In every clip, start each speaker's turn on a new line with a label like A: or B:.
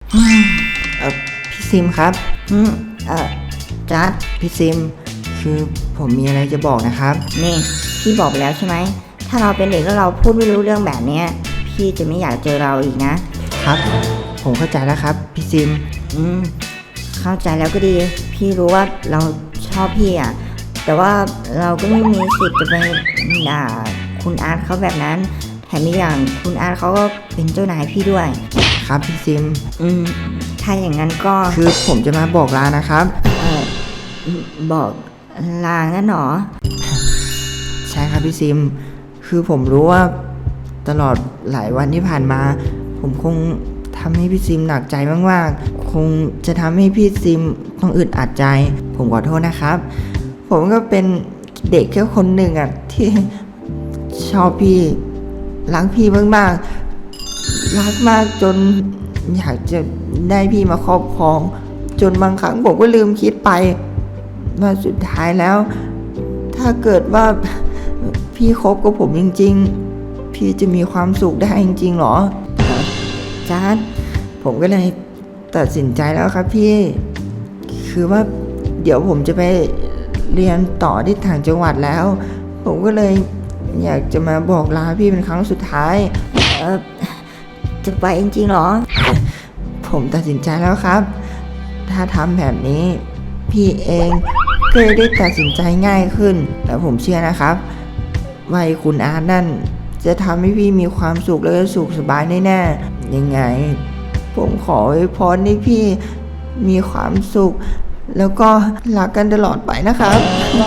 A: อืมพี่ซิมครับอืมเออจัดพี่ซิมคือผมมีอะไรจะบอกนะครับ
B: นี่พี่บอกไปแล้วใช่ไหมถ้าเราเป็นเด็กแล้วเราพูดไม่รู้เรื่องแบบเนี้ยพี่จะไม่อยากเจอเราอีกนะครับ
A: ผมเข้าใจแล้วครับพี่ซิม
B: อืมเข้าใจแล้วก็ดีพี่รู้ว่าเราชอบพี่อ่ะแต่ว่าเราก็ไม่มีสิทธิ์จะไปด่าคุณอาร์ตเขาแบบนั้นแถมอีกอย่างคุณอาร์ตเขาก็เป็นเจ้านายพี่ด้วย
A: ครับพี่ซิม
B: อืมถ้าอย่างนั้นก็
A: คือผมจะมาบอกลานะครับ
B: เออบอกลางั้นหรอ
A: ใช่ครับพี่ซิมคือผมรู้ว่าตลอดหลายวันที่ผ่านมาผมคงทำให้พี่ซิมหนักใจมากๆคงจะทำให้พี่ซิมต้องอึดอัดใจผมขอโทษนะครับผมก็เป็นเด็กแค่คนหนึ่งอ่ะที่ชอบพี่รักพี่มากๆรักมากจนอยากจะได้พี่มาครอบครองจนบางครั้งผมก็ลืมคิดไปว่าสุดท้ายแล้วถ้าเกิดว่าพี่คบกับผมจริงๆพี่จะมีความสุขได้จริงๆหรอจัดผมก็เลยตัดสินใจแล้วครับพี่คือว่าเดี๋ยวผมจะไปเรียนต่อที่ต่างจังหวัดแล้วผมก็เลยอยากจะมาบอกลาพี่เป็นครั้งสุดท้าย
B: เออจะไปจริงๆหรอ
A: ผมตัดสินใจแล้วครับถ้าทำแบบนี้พี่เองก็ได้ตัดสินใจง่ายขึ้นและผมเชื่อนะครับว่าคุณอาร์ตนั่นจะทำให้พี่มีความสุขและสุขสบายแน่ๆยังไงผมขออวยพรให้พี่มีความสุขแล้วก็รักกันตลอดไปนะครับ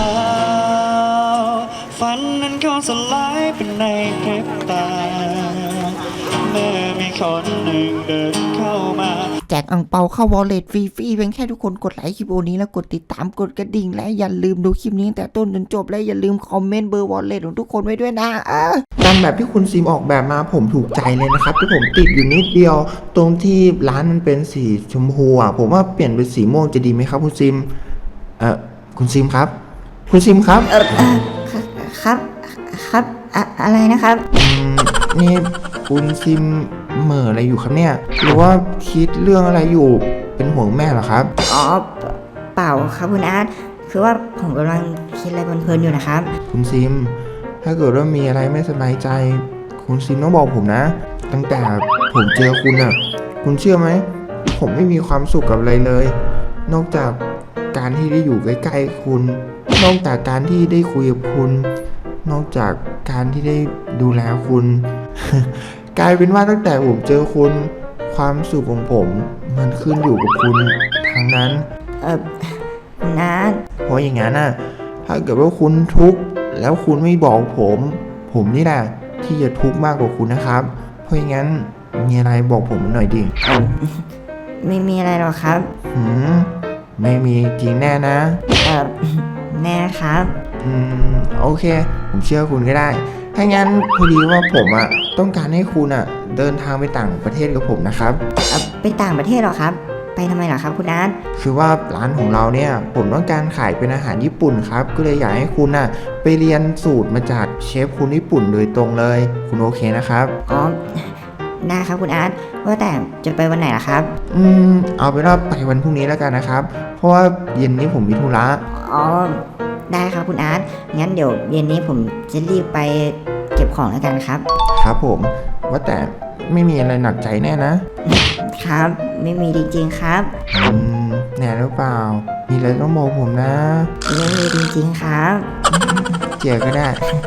C: ฝันนั้นก็สลายเป็นในพริบตาเมื่อมีคนหนึ่งเดินเข้ามา
A: แจกอั่งเปาเข้าวอลเล็ตฟรีๆเพียงแค่ทุกคนกดไลค์คลิปโอนี้แล้วกดติดตามกดกระดิ่งและอย่าลืมดูคลิปนี้ตั้งแต่ต้นจนจบและอย่าลืมคอมเมนต์เบอร์วอลเล็ตของทุกคนไว้ด้วยนะตามแบบที่คุณซิมออกแบบมาผมถูกใจเลยนะครับที่ผมติดอยู่นิดเดียวตรงที่ร้านมันเป็นสีชมพูอ่ะผมว่าเปลี่ยนเป็นสีม่วงจะดีไหมครับคุณซิมคุณซิมครับคุณซิมครับ
B: ครับครับอะไรนะครับ
A: นี่คุณซิมเหม่ออะไรอยู่ครับเนี่ยหรือว่าคิดเรื่องอะไรอยู่เป็นห่วงแม่เหรอครับ
B: อ๋อเปล่าครับคุณอาร์ตคือว่าผมกำลังคิดอะไรเพลินๆอยู่นะครับ
A: คุณซิมถ้าเกิดว่ามีอะไรไม่สบายใจคุณซิมต้องบอกผมนะตั้งแต่ผมเจอคุณอ่ะคุณเชื่อไหมผมไม่มีความสุขกับอะไรเลยนอกจากการที่ได้อยู่ใกล้ๆคุณนอกจากการที่ได้คุยกับคุณนอกจากการที่ได้ดูแลคุณ กลายเป็นว่าตั้งแต่ผมเจอคุณความสุขของผมมันขึ้นอยู่กับคุณทั้งนั้น
B: คุณอาร์ต
A: เพราะอย่างนั้นน่ะถ้าเกิดว่าคุณทุกข์แล้วคุณไม่บอกผมนี่แหละที่จะทุกข์มากกว่าคุณนะครับเพราะอย่างนั้นมีอะไรบอกผมหน่อยดิ
B: ไม่มีอะไรหรอกครับ
A: ไม่มีจริงแน่นะ
B: แน่ครับ
A: โอเคผมเชื่อคุณก็ได้ถ้างั้นพอดีว่าผมต้องการให้คุณเดินทางไปต่างประเทศกับผมนะครับ
B: ไปต่างประเทศหรอครับไปทำไมหรอครับคุณอาร์ต
A: คือว่าร้านของเราเนี่ยผมต้องการขายเป็นอาหารญี่ปุ่นครับก็เลยอยากให้คุณไปเรียนสูตรมาจากเชฟคนญี่ปุ่นโดยตรงเลยคุณโอเคนะครับ
B: อ๋อได้ครับคุณอาร์ตว่าแต่จะไปวันไหนล่ะครับ
A: เอาเป็นว่าไปวันพรุ่งนี้แล้วกันนะครับเพราะว่าเย็นนี้ผมมีธุระ
B: อ๋อได้ครับคุณอาร์ตงั้นเดี๋ยวเย็นนี้ผมจะรีบไปเก็บของแล้วกันครับ
A: ครับผมว่าแต่ไม่มีอะไรหนักใจแน่
B: นะครับไม่มีจริงๆครับ
A: แน่หรือเปล่ามีอะไรต้องบอกผมนะ
B: ไม่มีจริงๆครับ
A: เจียก็ได้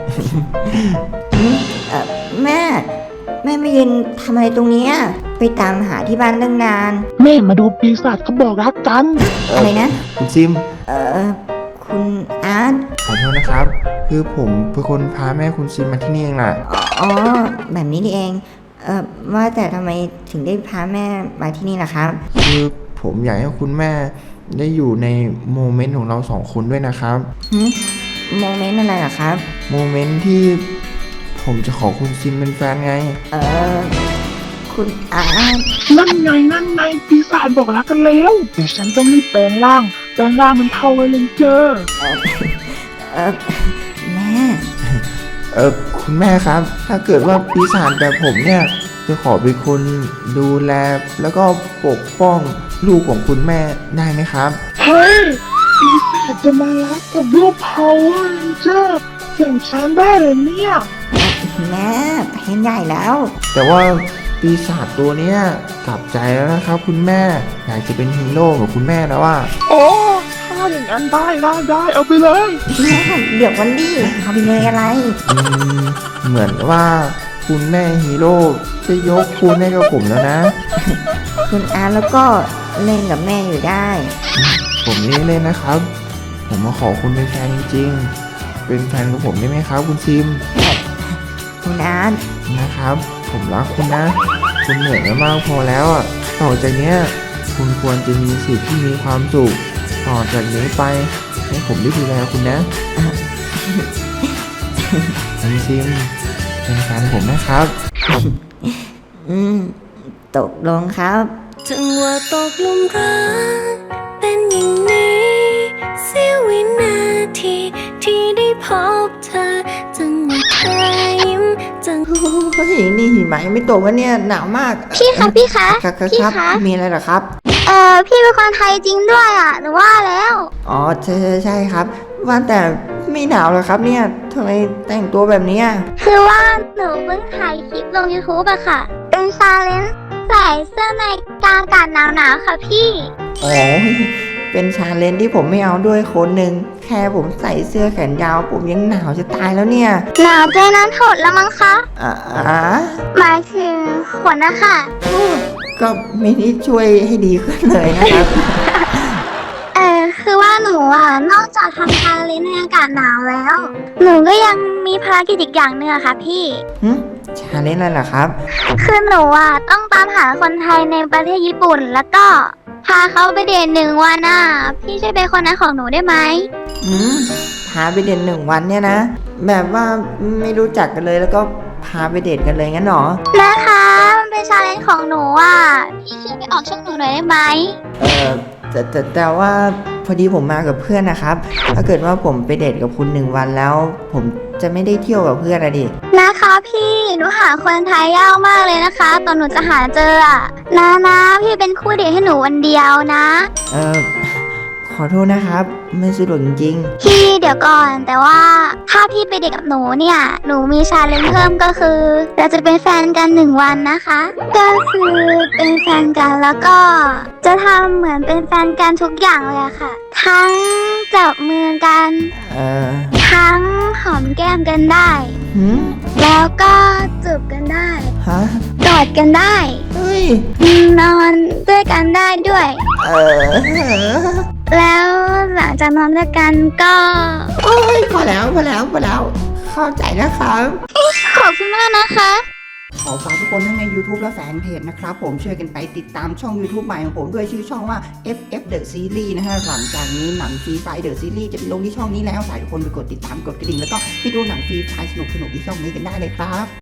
B: แม่ไม่ยืนทำอะไรตรงนี้ไปตามหาที่บ้านตั้งนาน
D: แม่มาดูปีศาจเขาบอกรักกัน
B: อะไรนะ
A: คุณซิม
B: คุณอาร์ต
A: ขอโทษนะครับคือผมเป็นคนพาแม่คุณซิมมาที่นี่เองล่ะ
B: อ๋อแบบนี้นี่เองว่าแต่ทำไมถึงได้พาแม่มาที่นี่ล่ะครับ
A: คือผมอยากให้คุณแม่ได้อยู่ในโมเมนต์ของเราสองคนด้วยนะครับ
B: โมเมนต์อะไรล่ะครับ
A: โมเมนต์ที่ผมจะขอคุณซิมเป็นแฟนไง
B: คุณอาร์ต
D: นั่นไงปีศาจบอกรักกันแล้วเดี๋ยวฉันต้องรีบแปลงร่างมันเท่าไว้เลยเจอ
B: แม่
A: คุณแม่ครับถ้าเกิดว่าปีศาจแบบผมเนี่ยจะขอเป็นคนดูแลแล้วก็ปกป้องลูกของคุณแม่ได้ไหมครับ
D: เฮ้ยปีศาจจะมารักกับลูก Power Ranger อย่างฉันได้เลยเนี่ย
B: แม่แผนใหญ่แล้ว
A: แต่ว่าปีศาจตัวเนี้ยกลับใจแล้วนะครับคุณแม่อยากจะเป็นฮีโร่กับคุณแม่แล้วว่า
D: โอ้ถ้าอย่างนั้นได้เอาไปเลย
B: แม่เดี๋ยววันนี้เอาไปเลยอะไร
A: เหมือนว่าคุณแม่ฮีโร่จะยกคุณให้กับผมแล้วนะ
B: คุณอาร์ตแล้วก็เล่นกับแม่อยู่ได้
A: ผมนี่เล่นนะครับ ผมมาขอคุณเป็นแฟนจริงๆ เป็นแฟนกับผมได้ไหมครับ คุณซิม
B: คุณอาร์ต
A: นะครับ ผมรักคุณนะ คุณเหนื่อยมามากพอแล้วอ่ะ ต่อจากเนี้ยคุณควรจะมีสิทธิ์ที่มีความสุข ต่อจากนี้ไปให้ผมได้ดูแลคุณนะคุณซิมเป็นแฟนผมนะครับ
B: อืมตกลงครับ
E: จังหวะตกหลุมรักเป็นอย่างนี้เสี้ยววินาทีที่ได้พบเธอจังหวะเธอยิ้มจัง
A: เฮ้ยนี่หิมะยังไม่ตกวะเนี่ยหนาวมาก
F: พี่คะพี่คะ
A: ครับครับ
F: พี่
A: ครับ
F: คะ
A: มีอะไรเหรอครับ
F: พี่เป็นคนไทยจริงด้วยอ่ะหนูว่าแล้ว
A: อ๋อใช่ครับ ว่าแต่ไม่หนาวเหรอครับเนี่ยทำไมแต่งตัวแบบเนี้ย
F: คือว่าหนูเพิ่งถ่ายคลิปลง YouTube อะค่ะ เป็นชาเลนจ์ใส่เสื้อในกลางอากาศหนาวๆค่ะพี่
A: อ๋อเป็นชาเลนจ์ที่ผมไม่เอาด้วยคนหนึ่งแค่ผมใส่เสื้อแขนยาวผมยังหนาวจะตายแล้วเนี่ย
F: หนาวใจนั้นถดแล้วมั้งคะ
A: อ่า
F: หมายถึงขนนะคะ
A: ก็ไม่ได้ช่วยให้ดีขึ้นเลยนะครับ
F: คือว่าหนูอ่ะนอกจากทำชาเลนจ์ในอากาศหนาวแล้ว หนูก็ยังมีภารกิจอีกอย่างหนึ่งอะค่ะพี่
A: ชาเลนจ์อะไรล่ะครับ
F: คือหนูอ่ะต้องตามหาคนไทยในประเทศญี่ปุ่น แล้วก็พาเขาไปเดท1 วันอ่ะ พี่ช่วยเป็นคนนั้นของหนูได้ไหม
A: พาไปเดท1 วันเนี่ยนะ แบบว่าไม่รู้จักกันเลยแล้วก็พาไปเดทกันเลยงั้นหรอ
F: นะคะมันเป็นชาเลนจ์ของหนูอ่ะ พี่ช่วยไปออกช่องหนูหน่อยได้ไหม
A: แต่ว่าพอดีผมมากับเพื่อนนะครับ ถ้าเกิดว่าผมไปเดทกับคุณ1 วันแล้ว ผมจะไม่ได้เที่ยวกับเพื่อนอะดิ
F: นะคะพี่หนูหาคนไทยยากมากเลยนะคะ ตอนหนูจะหาเจออ่ะนะพี่เป็นคู่เดทให้หนูวันเดียวนะ
A: ขอโทษนะครับ ไม่สะดวกจริง
F: พี่เดี๋ยวก่อนแต่ว่าถ้าพี่ไปเดทกับหนูเนี่ยหนูมีชาเลนจ์เพิ่มก็คือเราจะเป็นแฟนกัน1 วันนะคะ ก็คือเป็นแฟนกันแล้วก็จะทำเหมือนเป็นแฟนกันทุกอย่างเลยอะค่ะ ทั้งจับมือกัน
A: ๆ
F: ทั้งหอมแก้มกันได้
A: หืม
F: แล้วก็จูบกันได้
A: ฮะ
F: กอดกันได้
A: เฮ้ย
F: นอนด้วยกันได้ด้วย
A: เออ
F: แล้วหลังจากนอนด้วยกันก็
A: โอ้ยพอแล้ว เข้าใจนะครับ
F: ขอบคุณมากนะคะ
A: ขอฝากทุกคนทั้งใน YouTube และแฟนเพจนะครับผมช่วยกันไปติดตามช่อง YouTube ใหม่ของผมด้วยชื่อช่องว่า FF The Series นะฮะหลังจากนี้หนังฟรีไฟ The Series จะไปลงที่ช่องนี้แล้วฝากทุกคนไปกดติดตามกดกระดิ่งแล้วก็ไปดูหนังฟรีไฟสนุกๆที่ช่องนี้กันได้เลยครับ